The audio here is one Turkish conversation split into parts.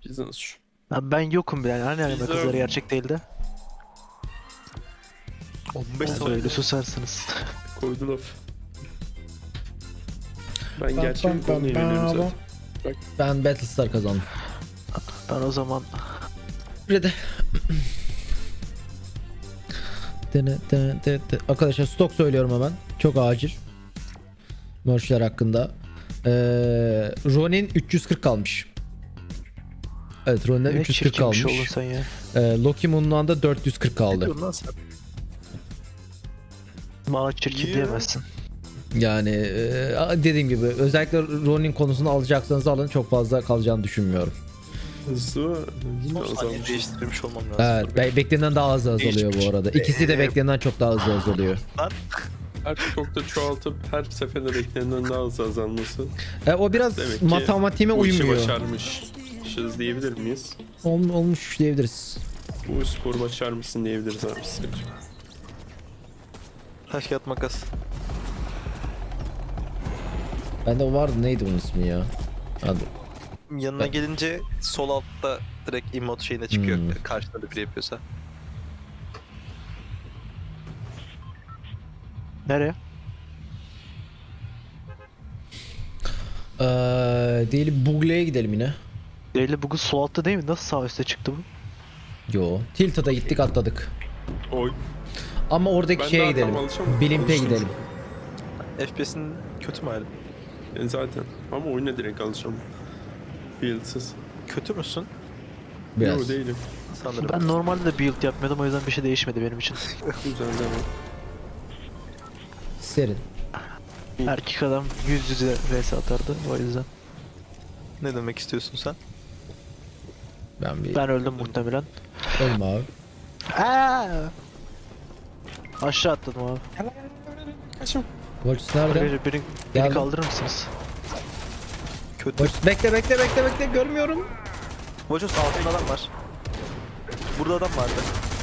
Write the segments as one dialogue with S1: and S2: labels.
S1: Business şu.
S2: Abi ben yokum bile yani. Hani anime
S1: Güzel.
S2: kızları gerçek değildi.
S3: 15
S2: Siz
S3: saniye.
S2: öyle susarsınız.
S1: Koydu laf. Ben gerçek konuya yöneliyorum zaten.
S4: Ben Battlestar kazandım.
S2: Ben o zaman
S4: Rede. Arkadaşlar stok söylüyorum hemen. Çok acil. Merchler hakkında. Ronin 340 kalmış. Evet, Ronin'de
S2: ne
S4: 340
S2: çirkin bir şey
S4: kalmış.
S2: oldun sen ya.
S4: Loki Moon'dan da 440
S3: Ne
S4: kaldı.
S3: diyorsun lan sen?
S2: Bana çirkin
S3: Niye?
S2: diyemezsin.
S4: Yani dediğim gibi özellikle Ronin konusunu alacaksanız alın, çok fazla kalacağını düşünmüyorum.
S1: Hızlı yine
S3: Son saniye
S1: azalmış.
S3: değiştirmiş olmam lazım.
S4: Evet, beklenenden daha hızlı azalıyor bu arada. İkisi de beklenenden çok daha hızlı azalıyor.
S1: Her stokta çoğaltıp her seferinde beklenenden daha hızlı azalması.
S4: O biraz
S1: Demek ki
S4: matematiğime
S1: bu işi
S4: uymuyor.
S1: başarmışız diyebilir miyiz?
S4: Olmuş diyebiliriz.
S1: Bu sporu başarmışsın diyebiliriz abi. Sıkıntı yok.
S3: Taş kağıt makas.
S4: Bende o vardı, neydi bunun ismi ya? Hadi.
S3: Yanına
S4: Ben-
S3: gelince sol altta direkt emote şeyine çıkıyor.
S4: Hmm.
S3: Karşında da biri yapıyorsa.
S2: Nereye?
S4: Diyelim Bugle'ye gidelim yine.
S2: Değil bugün su altta değil mi? Nasıl sağ üstte çıktı bu?
S4: Yo. Tilta'da gittik, atladık.
S1: Oy.
S4: Ama oradaki
S1: Ben
S4: şeye
S1: daha
S4: gidelim.
S1: tam alışamadım.
S4: Blimp'e
S1: Alıştım
S4: gidelim.
S3: FPS'in kötü mü hali?
S1: Zaten. Ama oyuna direkt alışamam. Build'sız.
S3: Kötü müsün?
S4: Biraz.
S1: Yok değilim.
S3: Sanırım.
S2: Ben normalde de build yapmıyordum o yüzden bir şey değişmedi benim için.
S1: Güzel devam.
S4: Serin.
S2: Erkek adam yüz yüze vs atardı o yüzden.
S3: Ne demek istiyorsun sen?
S2: Ben öldüm muhtemelen.
S4: Ölme abi.
S2: Aa! Aşağı atladım abi.
S1: Kaçım.
S4: Volts nerede?
S2: Beni
S4: Geldim.
S2: kaldırır mısınız?
S3: Kötü.
S4: Volts, bekle, görmüyorum.
S3: Vojos altında adam var. Burada adam vardı.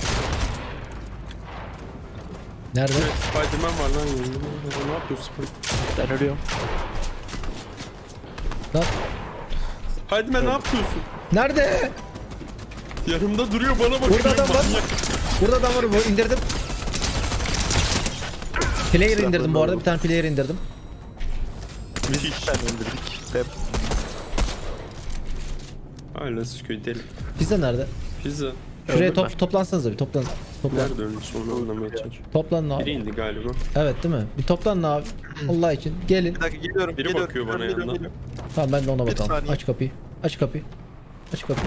S4: Nerede?
S1: Evet, Spiderman var lan yanında. Ne yapıyorsun?
S2: Ben ölüyorum.
S4: Lan.
S1: Spiderman ne yapıyorsun?
S4: Nerede?
S1: Yanımda duruyor bana bakıyor.
S4: Burada adam var.
S1: manyak.
S4: Burada adam var, bu indirdim. Player indirdim bu arada, bir tane player indirdim.
S3: Biz iki tane indirdik. Ve
S1: Hala sıkıyor deli.
S4: Pizza nerede?
S1: Pizza.
S4: Şuraya
S2: Öldüm ben.
S4: toplansanıza bir, toplan.
S1: Nerede ölmüş onu anlamaya çalışıyorum.
S4: Toplanın
S1: Biri
S4: abi.
S1: indi galiba.
S4: Evet değil mi? Bir toplanın abi. Allah için gelin.
S3: bir dakika geliyorum.
S1: Biri
S3: geliyorum,
S1: bakıyor bana
S3: geliyorum,
S1: yandan.
S3: geliyorum.
S4: Tamam, ben de ona
S3: Bir
S4: bakalım.
S3: saniye.
S4: Aç kapıyı. Aç kapıyı. Aç kapıyı.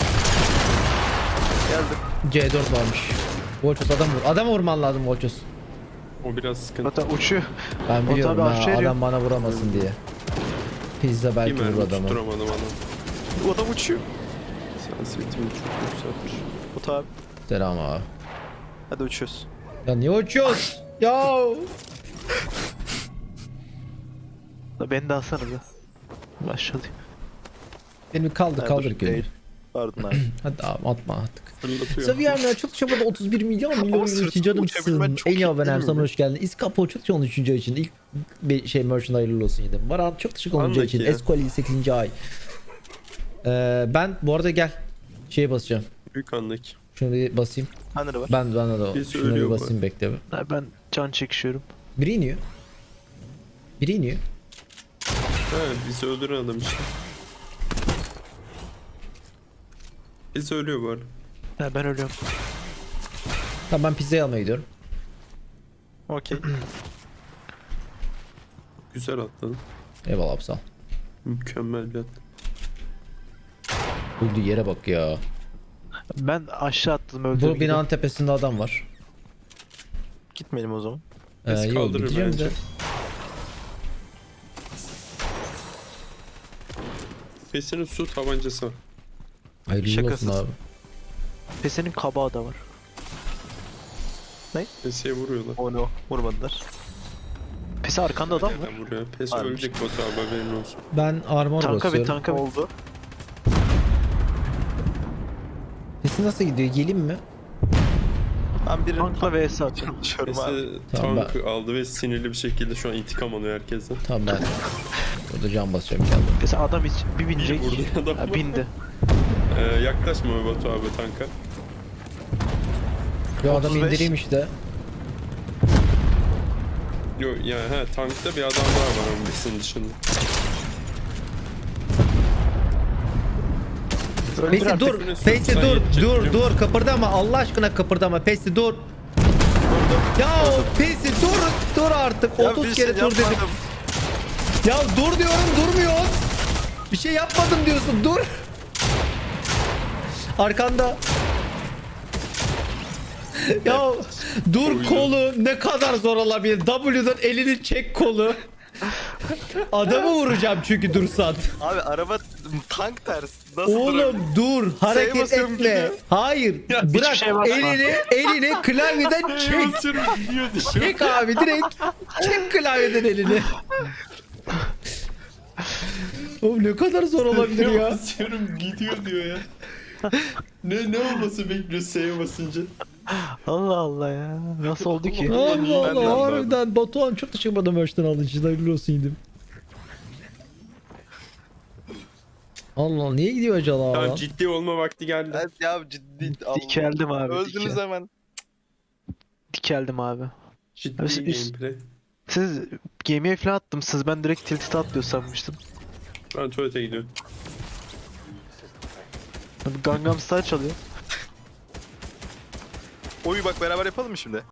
S3: Geldim.
S4: C4 varmış. Volchos adam vur. Adam vurman lazım Volchos.
S1: O biraz sıkıntı.
S2: Zaten uçuyor.
S4: Ben
S2: O
S4: biliyorum
S2: tabii
S4: ha,
S2: aşağı iniyor.
S4: adam bana vuramasın diye. Pizza
S1: Bir
S4: belki vurur
S1: mermi
S4: adamı.
S1: tutturamadım adam.
S3: Bu adam uçuyor.
S1: Sensitivitimi çok yükseltmiş.
S3: Bu tabi.
S4: Selam abi.
S3: Hadi uçuyoruz.
S4: Ya niye uçuyoruz? Ya.
S2: Da beni de alsana bir. Başladı.
S4: Beni kaldır
S3: Ha,
S4: kaldır
S3: dur,
S4: ki.
S3: değil. Pardon abi.
S4: Hadi abi atma artık.
S1: Fırlatıyor.
S4: Seviye'nin açılış çabada 31 milyon
S3: sırtımda
S4: canımsın.
S3: uçabilmen çok
S4: En
S3: iyi
S4: iyi abonem
S3: değil mi?
S4: sana hoş geldin. İskapo çok çok 13. ay için ilk bir şey merchant hayırlı olsun yedim. Baran çok teşekkür 10. ay için.
S1: Andaki.
S4: Esquali 8. ay. Ben bu arada gel. Şeye basacağım.
S1: Büyük andaki.
S4: Şunu bir basayım.
S3: Hani var?
S4: Ben de o.
S1: Birisi
S4: Şunu bir
S1: ölüyor bu
S4: basayım, bekle bir.
S2: Ha, ben can çekişiyorum.
S4: Biri iniyor. Biri iniyor.
S1: He bizi öldüren adam işte. Bizi ölüyor bu arada.
S2: Ha, ben ölüyorum.
S4: Tamam, ben pizzayı almaya gidiyorum.
S3: Okey.
S1: Güzel atladın.
S4: Eyvallah abi, sağ ol.
S1: Mükemmel bir at.
S4: Öldüğü yere bak ya.
S2: Ben aşağı atladım öldüm.
S4: Bu binanın tepesinde adam var.
S3: Gitmeyelim o zaman.
S1: Biz
S4: Yok,
S1: kaldırır
S4: gideceğim
S1: bence.
S4: de.
S1: Pesinin su tabancası var.
S4: Hayırlı olsun
S3: Şakasız.
S4: abi.
S2: Pesenin kabağı da var.
S1: Peseye vuruyorlar.
S3: O no. Vurmadılar.
S2: Pese arkanda adam var.
S1: Nereden vuruyor? Pes
S3: Varmış.
S1: ölecek Batu abi haberin olsun.
S4: Ben armor
S2: Tanka bir
S4: basıyorum.
S2: tanka bir.
S3: Oldu.
S4: Sesi nasıl gidiyor? Geleyim mi?
S3: Ben birinin
S2: Tankla vs atıyorum.
S3: çalışıyorum abi.
S1: Pesi
S4: Tamam,
S1: tank aldı ve sinirli bir şekilde şu an intikam alıyor herkesten.
S4: Tamam, ben burada can basacağım kendim.
S2: Pese adam hiç bir binecek.
S1: Vurdu adam.
S2: Ha, bindi.
S1: Yaklaşma Batu abi tanka.
S4: Bir adam
S3: 35.
S4: indireyim işte.
S1: Yok yani tankta bir adam daha var ama bizim dışında.
S4: Pesi
S3: artık,
S4: dur.
S1: birine
S4: Pesi
S1: sürsen
S4: dur.
S1: yetecek
S4: Dur
S1: biliyor
S4: dur. Kıpırdama. Allah aşkına kıpırdama. Pesi dur. Ya Pesi dur. Dur artık.
S3: Ya
S4: 30
S3: bir
S4: kere
S3: şey
S4: dur dedim.
S3: yapmadım.
S4: Ya dur diyorum durmuyor. Bir şey yapmadım diyorsun. Dur. Arkanda. Ya dur
S1: Oyun.
S4: kolu ne kadar zor olabilir. W'dan elini çek kolu. Adamı vuracağım çünkü dursan.
S3: Abi araba tank ters. Nasıl
S4: Oğlum
S3: durabilir?
S4: dur hareket
S3: basıyorum,
S4: etme.
S3: gidiyor.
S4: Hayır. Bırak
S2: şey basma.
S4: elini klavyeden çek.
S1: Gidiyor
S4: Çek abi direkt. Çek klavyeden elini. Oğlum ne kadar zor olabilir ya.
S1: Basıyorum gidiyor diyor ya. ne olması bekliyor S'ye basınca?
S2: Allah Allah ya. Nasıl oldu ki?
S4: Allah
S3: Ben de
S4: Allah
S3: anladım.
S4: harbiden Batuhan çok teşekkür ederim Merch'ten aldığın için hayırlı olsun yedim. Allah niye gidiyor acaba?
S1: Tamam
S4: lan?
S1: ciddi olma vakti geldi.
S3: Evet ya ciddi.
S2: Dikeldim abi.
S3: Öldünüz hemen.
S2: Dikeldim abi.
S1: Ciddi
S2: Üst-
S1: gameplay.
S2: Siz gemiye falan attımsınız. Ben direkt tilt'e atlıyor sanmıştım.
S1: Ben tuvalete gidiyorum.
S2: Gangnam Style çalıyor.
S3: Oyu bak beraber yapalım mı şimdi?